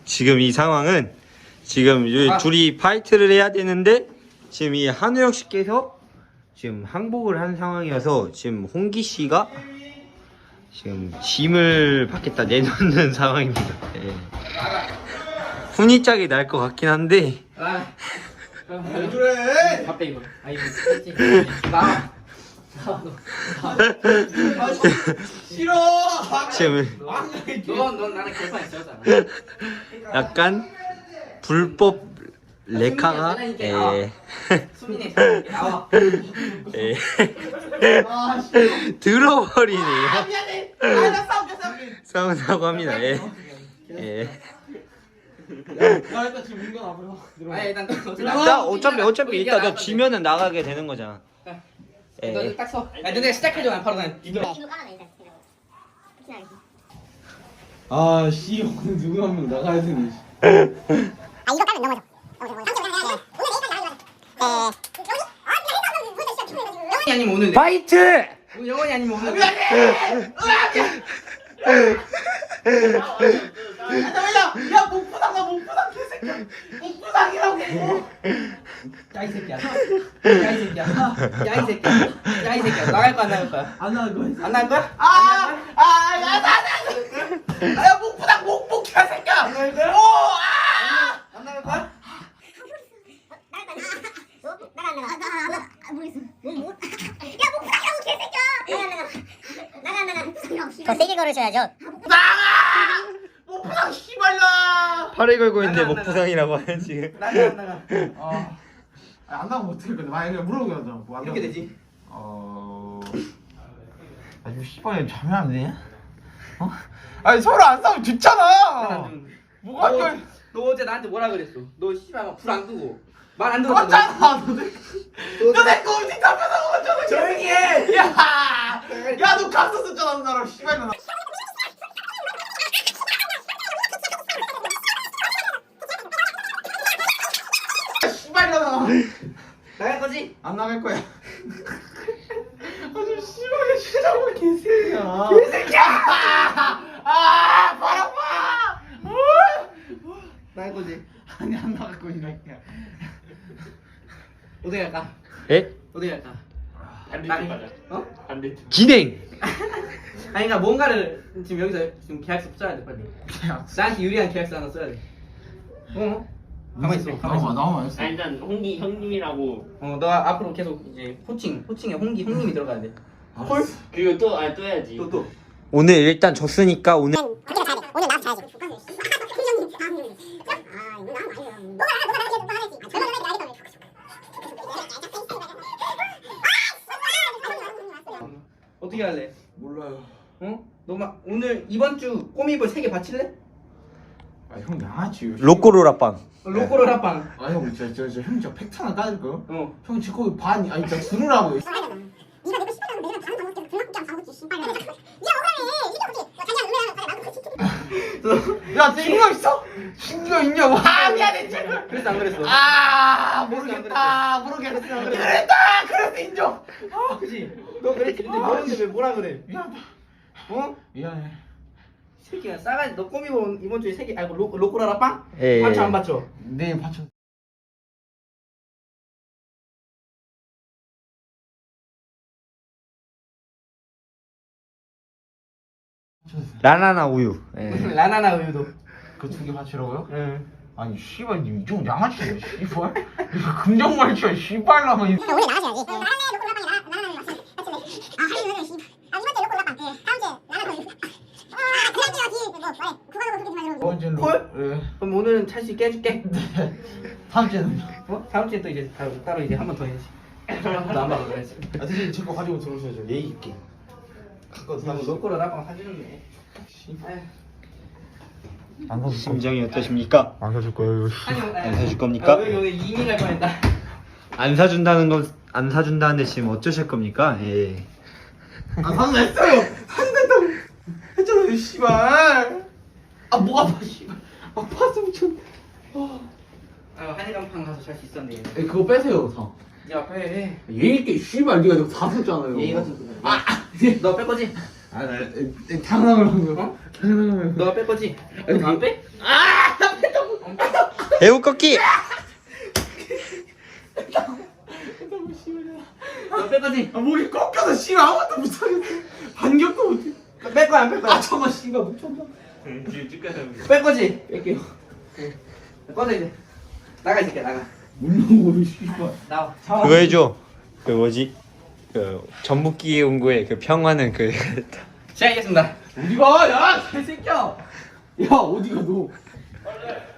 지금 이 상황은 지금 둘이 파이트를 해야 되는데 지금 이 한우혁 씨께서 지금 항복을 한 상황이어서 지금 홍기 씨가 지금 짐을 밖에다 내놓는 상황입니다. 예. 훈이짝이 날 것 같긴 한데. 왜 그래? 밥배 이거. 아 이거 나와. 싫어. 지금 넌 나는 결판에 지었잖아. 약간 불법 레카가 수민이 나와. 들어버리네요. 미안해. 나 싸울게. 싸운다고 합니다. 예. 나 일단 지금 민건 앞으로 들어가. 아니 일단 어차피 일단 너 지면은 나가게 되는 거잖아. 너 딱 서. 야 너네 시작해줘 난 바로 난. 아 씨, 오늘 누구 한 명 나가야 되네. 이거 까면 넘어져. 영원히 아니면 오늘. 파이트! 영원히 아니면 오늘. 야 목부당 개새끼야. 목부당이라고. 야이 새끼야. 야이 새끼야. 나갈 거야 안 나갈 거야? 안 나갈 거야. 안 나갈 거야? 야 목부당 목 개새끼야. 안 나갈 거야? 안 나갈 거야? 더 세게 걸으셔야죠. 목부당 씨발라. 팔을 걸고 있는데 나가, 목부상이라고 하는 지금. 나가 안 나가. 안 나가면 어떻게 건데? 만약에 물어보자. 뭐 이렇게 되지. 아주 씨발이 자면 안 되냐? 아니 서로 안 싸우면 좋잖아. 뭐가 또? 너 어제 나한테 뭐라 그랬어? 너 씨발 막 불 안 끄고 말 안 들었잖아. 맞잖아. 너내 꼼지 잡혀서 먹었잖아. 조용히 해. 야너 갔었었잖아 나랑 씨발이나. 씨발이나. 나갈 거지? 안 나갈 거야. 아주 씨발이 시작을 개새끼야. 발 아파. 나갈 거지? 아니 안 나갈 거야 이 새끼야. 어디 갈까? 예? 어디 갈까? 반대쪽 가자. 어? 반대쪽. 진행! 아니 그러니까 뭔가를 지금 여기서 지금 계약서 써야 돼 빨리. 나한테 유리한 계약서 하나 써야 돼. 가만히 있어. 나만 있어. 아 일단 홍기 형님이라고. 너 앞으로 계속 이제 호칭에 형님이 들어가야 돼. 헐? 그리고 또 해야지. 또. 오늘 일단 졌으니까 오늘 오늘 나한테 자야지. 어떻게 할래? 몰라요. 너 막 오늘 이번 주 꼬미볼 3개 바칠래? 형 양아치. 로꼬로라빵. 로꼬로 라빵. 형 진짜 형 진짜 팩트 하나 까줄까요? 형 지금 거기 반 아니 진짜 들으라고. 네가 내가 씨발이라고 내가 다른 방법 때문에 불납게 안 방법지 씨발. 네가 억울해. 이게 어떻게? 자기야 노래하는 야 친구가 있어? 친구가 있냐고. 미안해 친구. 그래서 안 그랬어. 모르겠다. 그래서 인정. 그지? 너 그랬지? 근데 모르는데 왜 뭐라 그래? 미안하다. 미안해. 새끼야 싸가지 너 꼬미볼 이번 주에 3개 아이고 로꼬로 라빵? 예. 받쳐 안 받쳐? 내일 받쳐. 라나나 우유. 예. 라나나 우유도. 그 2개 받치라고요? 응. 아니 씨발 니 이쪽 양아치야 씨발. 이거 금정말치야 씨발라면. 오늘 나가셔야지. 나는 로컬라빵이 나는 맞지. 하루는 씨발. 이번 주 로컬라빵. 다음 주에 나는 그냥 뛰어지. 뭐 말해. 그거는 그렇게 말해. 번째로. 콜? 예. 그럼 오늘은 찰수 있게 해줄게. 다음 주에는. 다음 주에 또 이제 따로 이제 한 번 더 해야지. 너안 봐도 그래야지. 대신 제 거 가지고 들어오셔야죠. 예의 있게. 갖고 나 로꼬로 라빵 사주는데. 안 사줄 심정이 어떠십니까? 안 사줄 거예요. 안 사줄 겁니까? 여기 오늘 이민 갈 뻔했다. 안 사준다는데 지금 어쩌실 겁니까? 예. 안 사준 했어요. 산다고 했잖아요 씨발. 목 아파 씨발. 아파서 미쳤네. 한일간판 가서 잘 수 있었는데. 그거 빼세요 다. 야 빼. 예의 있게 씨발 네가 이거 다 썼잖아요. 예의 같은 거. 너 뺄 거지? 당황을 한 거야. 어? 당황을 한 거야. 너 뺄 거지? 아니, 안 빼? 배우 꺾기. 뺄 거지? 아 목이 꺾여서 씨발 아무것도 못하겠어. 반격도 못해. 뺄 거야 안 뺄 거야? 아 잠깐 씨발 묻혔나? 지금 찍혀서. 뺄 거지? 뺄게요. 꺼져 이제. 나가 이 새끼야 나가. 물렁거려 씨발. 나와. 그거 해줘. 그 뭐지? 그 전북기 연구의 그 평화는 그 시작하겠습니다. 어디가? 야 개새끼야. 야 어디가 너?